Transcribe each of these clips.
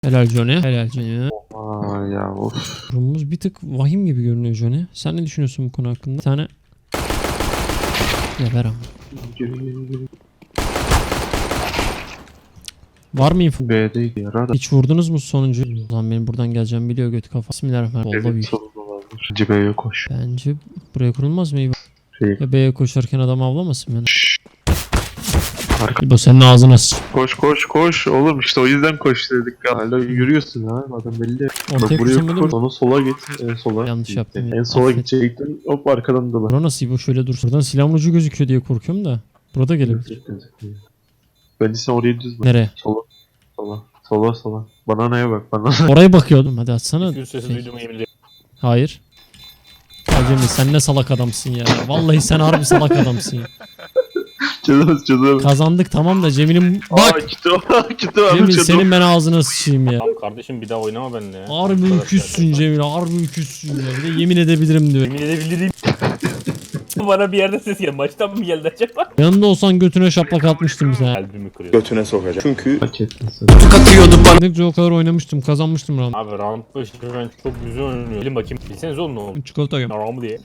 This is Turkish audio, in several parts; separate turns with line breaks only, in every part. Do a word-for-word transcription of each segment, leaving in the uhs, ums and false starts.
Helal Johnny. Helal Johnny.
Aa ya of.
Durumumuz bir tık vahim gibi görünüyor Johnny. Sen ne düşünüyorsun bu konu hakkında? Bir tane... Ya ver ama. Var mı info?
B'deydi ya. Radar.
Hiç vurdunuz mu sonuncu? Ulan benim buradan geleceğim biliyor götü kafa. Bismillahirrahmanirrahim. Vallahi
Evet
büyük.
solunda vardır. Bence B'ye koş.
Bence buraya kurulmaz mı İbo?
Şey.
Ya B'ye koşarken adam avlamasın beni.
Arka.
İbo senin ağzına sıç.
Koş koş koş. Oğlum işte o yüzden koş dedik. Hala yürüyorsun ha. Adam belli.
Ortaya
Bak buraya
koşamadım.
koş. Onu sola git. En sola.
Yanlış yaptım ya.
En sola
Affet.
gidecektin. Hop arkadan dola.
Bura nasıl İbo şöyle dur. Buradan silahın ucu gözüküyor diye korkuyorum da. Burada gelebilir.
Bence sen oraya düz bak.
Nereye?
Sola. Sola. Sola sola. Bananaya bak banana.
Oraya bakıyordum. Hadi atsana.
Gül sesi
Şey.
duydum yemin ederim.
Hayır. Ya Cemil sen ne salak adamsın ya. Vallahi sen harbi salak adamsın ya.
Çözemez çözemez.
kazandık tamam da Cemil'im bak.
Aa gitti o. Gitti o.
Cemil senin ben ağzına sıçayım ya.
Tamam kardeşim bir daha oynama benimle ya.
Harbi üküzsün Cemil, harbi üküzsün ya. Bir de yemin edebilirim diyor.
Yemin edebilirim. Bana bir yerde ses geldi. Maçtan mı geldi acaba?
Yanında olsan götüne şaplak atmıştım sen.
Kalbimi kırıyor.
Götüne sokacak. Çünkü
Hak ettin sen.
Ne o kadar oynamıştım, kazanmıştım round.
Abi round başı ben çok güzel oynuyorum. Gelin bakayım. Bilseniz oğlum ne oldu?
Çikolata yiyorum.
Naramı diye.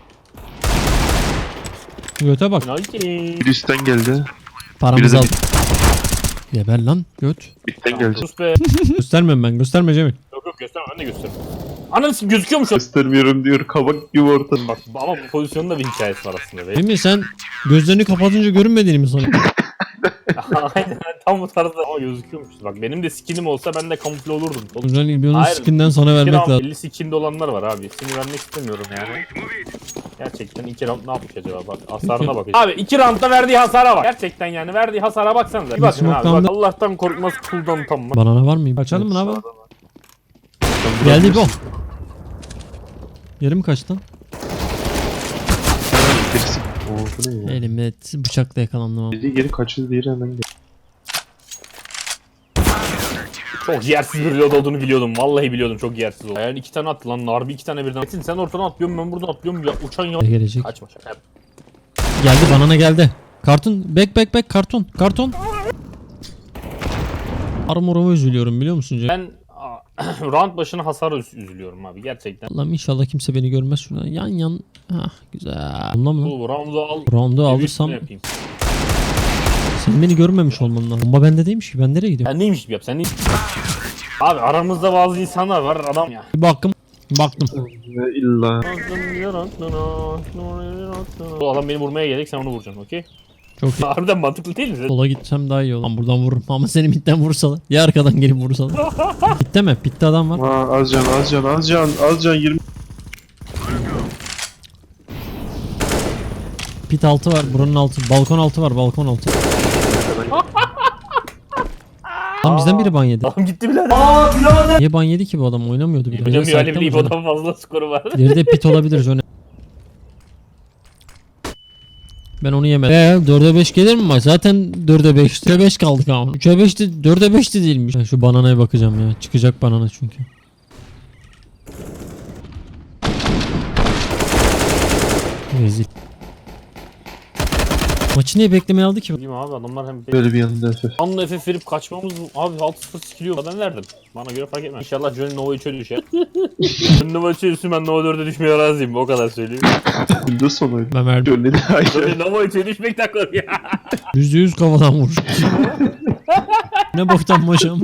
Göte bak.
Nike.
Bir üstten geldi.
Paramızı
Biri
al.
de
Geber lan göt.
Üstten gelecek.
Sus be.
Göstermem ben, gösterme Cemil.
Yok yok gösterme ben de göstereyim. Ananı s*** gözüküyor mu şu an?
Göstermiyorum diyor. Kabak gibi ortada.
Bak ama bu pozisyonun da bir hikayesi var aslında be.
Cemil sen gözlerini kapatınca görünmediğini mi sanıyorsun?
Aynen tam bu tarzda ama gözüküyormuş. Bak benim de skinim olsa ben de kamufle olurdum. Oğlum,
Hocam İlbiyon'un
Hayır.
skinden sana
iki
vermek
round
lazım.
elli skinde olanlar var abi. Seni vermek istemiyorum yani. Gerçekten iki round ne yapmış acaba? Bak hasarına bak. Abi iki roundda verdiği hasara bak. Gerçekten yani verdiği hasara baksanıza. Bir bakın abi.
Smoke'tan
Bak
da-
Allah'tan korkmaz kuldan utanmaz.
Banana var mı? Kaçalım mı ne yapalım? Geldi bu. Yarım kaç lan?
Birisi. Oo bu ne ya?
Elimde bıçakla yakalandım ama.
Biri geri kaçırdı diğeri hemen geldi.
Çok yersiz bir reload olduğunu biliyordum. Vallahi biliyordum çok yersiz oldu. Yani iki tane attı lan. Narbi iki tane birden. Metin sen ortadan atlıyorsun ben buradan atlıyorum ya. Uçan ya.
Gelecek.
Kaçma şaka yap.
Geldi banana geldi. Kartun back back back karton karton. Armoruma üzülüyorum biliyor musun Cem?
Ben aa, round başına hasara üz- üzülüyorum abi gerçekten.
Allah'ım inşallah kimse beni görmez şuradan. Yan yan. Hah güzel. Ondan mı?
Bu round'u al.
Round'u
bir
alırsam
üstüne yapayım.
sen beni görmemiş olman lazım. Bomba bende değilmiş ki ben nereye gidiyorum?
Sen neymiş gibi yap sen neymiş Abi aramızda bazı insanlar var adam ya.
Bir baktım. Baktım.
Ve illa.
Bu adam beni vurmaya gelecek sen onu vuracaksın okey?
Çok iyi.
Harbiden mantıklı değil mi?
Sola gitsem daha iyi olur. Lan buradan vururum ama seni midden vursalar. Ya arkadan gelip vursalar. Bitti mi? Bitti adam var.
Aa az can az can az can az can yirmi.
Pit altı var. Buranın altı. Balkon altı var. Balkon altı. Lan bizden biri ban yedi.
Adam gitti birader.
Niye ban yedi ki bu adam? Oynamıyordu bile.
Hocam
Öyle
öyle
saatte
bir
mi canım?
İbo'dan fazla skoru var.
Diğeri de pit olabilir Johnny. Ben onu yemedim. Eee dörde beş gelir mi maç? Zaten dörde beş. üçe beş kaldık ama. üçe beşti. dörde beşti değilmiş. Ben şu bananaya bakacağım ya. Çıkacak banana çünkü. Rezil. Maçı niye beklemeye aldı ki?
Bilmiyorum abi adamlar hem
Böyle bir yanında F F.
Anla F F verip kaçmamız abi altı sıfır sikiliyor. Ben verdim. Bana göre fark etmez. İnşallah Johnny Nova üçe düşer. Johnny Nova üçe düşsün ben Nova dörde düşmeye razıyım. O kadar söyleyeyim.
Windows sonuydu.
Ben verdim.
Gönlü de ayrı.
Johnny Nova üçe düşmekten korkuyor.
Yüzde yüz kafadan vur. Ne boktan maçım.